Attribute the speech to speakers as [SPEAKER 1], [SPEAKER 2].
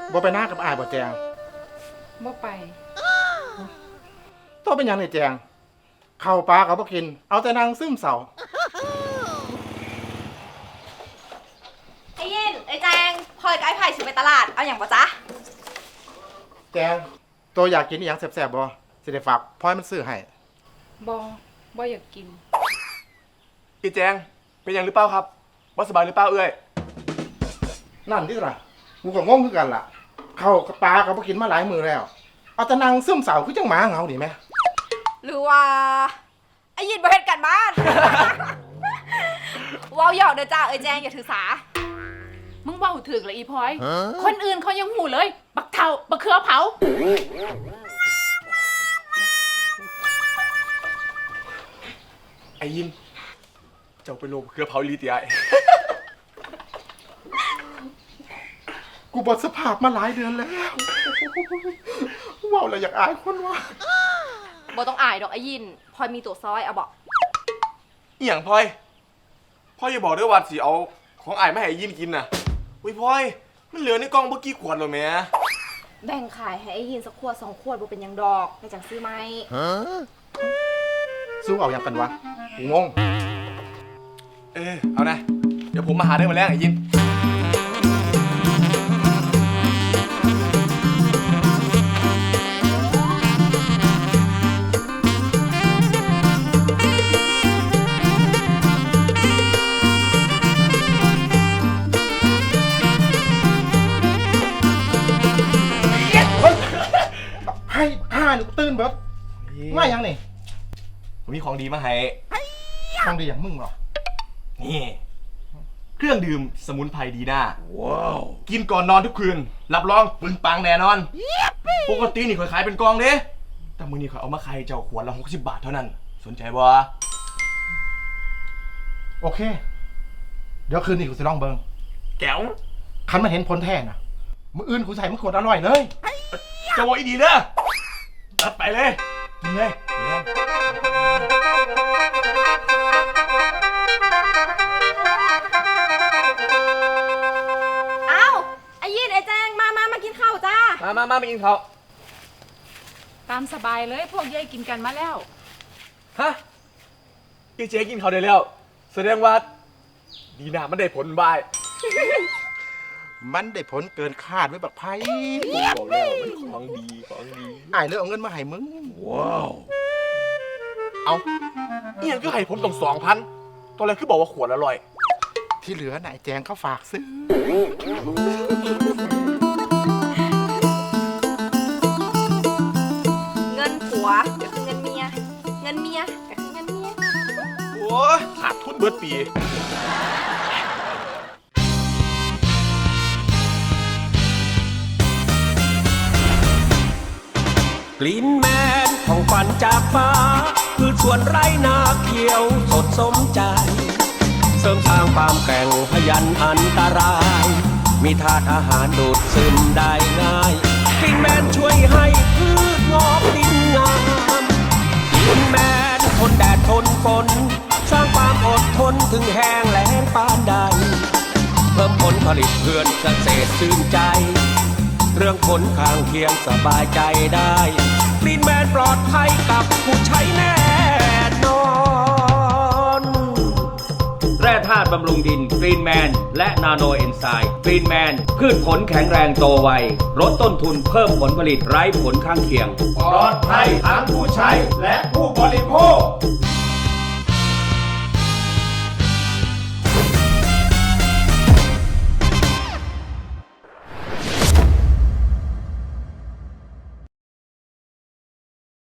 [SPEAKER 1] บ่ไปหน้ากับอ้ายบ่แจง
[SPEAKER 2] บ่ไป
[SPEAKER 1] ตัวเป็นหยังนี่แจงข้าวปลาก็บ่กินเอาแต่นั่งซึมเศร้า
[SPEAKER 3] ไอ้ยินไอ้แจงพลอยกับไอ้ไผ่สิไปตลาดเอาอย่างปะจ๊ะ
[SPEAKER 1] แจงตัวอยากกินอีหยังแซ่บๆบ่สิได้ฝากพลอยมันซื้อให้
[SPEAKER 2] บ่อยากกิน
[SPEAKER 4] อีแจงเป็นอย่างหรือเปล่าครับว่าสบายหรือเปล่าเอ้ย
[SPEAKER 1] นั่นที่ล่ะกูก็งงคือกันล่ะข้าวกับปลาก็บ่กินมาหลายมื้อแล้วเอาแต่นั่งซึมเศร้าคือจังหมาเหงานี่แหม
[SPEAKER 3] หรือว่าไอ้ยินบ่เฮ็ดกันบ้าน ว้าวหยอกเด้อจ้าไอ้แจงอย่าถือสา
[SPEAKER 2] มึงเว้าถึกละอีพลอย คนอื่นเขายังหูเลย บักเทาบักเขือเผา
[SPEAKER 4] ไอ้ยินเจ้าไปโลบเครือเผาลีตีไอ
[SPEAKER 1] กูบ่สภาพมาหลายเดือนแล้วเว้าแล้วอยากอายคนว่า
[SPEAKER 3] บ่ต้องอายดอกไอ้ยินพลอยมีตัวซอยเอาบอก
[SPEAKER 4] อีหยังพลอยพ่ออย่าบอกด้วยว่าสิเอาของอ้ายมาให้ยินกินน่ะอุ้ยพลอยมันเหลือในกล่องเมื่อกี้ขวดหรอแม่
[SPEAKER 3] แบ่งขายให้ไอ้ยินสักขวด2 ขวดบ่เป็นหยังดอกในจังซื้อไหม
[SPEAKER 1] สู้เอาหยังกันวะกูงง
[SPEAKER 4] เอานะเดี๋ยวผมมาหาได้มาแล้วไอ้ยิน
[SPEAKER 1] ให้ผ้านี่กูตื่นเบิดมาหยังนี่
[SPEAKER 4] ผมมีของดีมาให้
[SPEAKER 1] ทางดีอย่างมึงเหรอ
[SPEAKER 4] นี่เครื่องดื่มสมุนไพรดีน่าว้าวกินก่อนนอนทุกคืนรับรองปึงปังแน่นอนปกตินี่ข่อยขายเป็นกล่องเด้แต่มื้อนี้ข่อยเอามาขายเจ้าขวดละ60 บาทเท่านั้นสนใจบ่
[SPEAKER 1] โอเค เดี๋ยวคืนนี้กูจะลองเบิง
[SPEAKER 4] แก้ว
[SPEAKER 1] คันมันเห็นผลแท้น่ะมื้ออื่นกูใส่มึงขวดอร่อยเลย
[SPEAKER 4] จะบอกอีดีเด้อรับไปเลยกินเลย
[SPEAKER 3] อ้าวไอ้ยินไอ้แจงมากินข้าวจ้า
[SPEAKER 4] มากินเขา
[SPEAKER 2] ตามสบายเลยพวกเย้ยกินกันมาแล้ว
[SPEAKER 4] ฮะพี่เจ๊กินเขาได้แล้วแสดงว่าดีน่ามันได้ผลบาย
[SPEAKER 1] มันได้ผลเกินคาดไว้บักไพ่
[SPEAKER 4] บอกแล้วมันของดีของดี
[SPEAKER 1] อ้ายเลยเอาเงินมาให้มึง
[SPEAKER 4] ว้าวเอาเอียงก็ให้ผมต้อง2,000ตอนแรกคือบอกว่าขวดอร่อย
[SPEAKER 1] ที่เหลือน่ะไอ้แจงเขาฝากซื้อ
[SPEAKER 3] เงินผัวก็คือเงินเมีย เงินเมียก็คือเงินเมีย
[SPEAKER 4] โอ้ยขาดทุนเบิดปี
[SPEAKER 5] กลิ่นแมนของฝันจากฟ้าคือสวนไร่นาเขียวสดสมใจ เสริมสร้างความแกร่งพยันอันตราย มีธาตุอาหารดูดซึมได้ง่ายกลิ่นแมนช่วยให้พืชงอกดินงามกลิ่นแมนทนแดดทนฝนสร้างความอดทนถึงแห้งแล้งปานใดเพิ่มผลผลิตเพื่อนเกษตรชื่นใจ เรื่องผลข้างเคียงสบายใจได้กลิ่นแมนปลอดภัยกับผู้ใช้แน่นอนแร่ธาตุบำรุงดินกรีนแมนและนาโนเอนไซม์กรีนแมนพืชผลแข็งแรงโตไวลดต้นทุนเพิ่มผลผลิตไร้ผลข้างเคียงปลอดภัยทั้งผู้ใช้และผู้บริโภค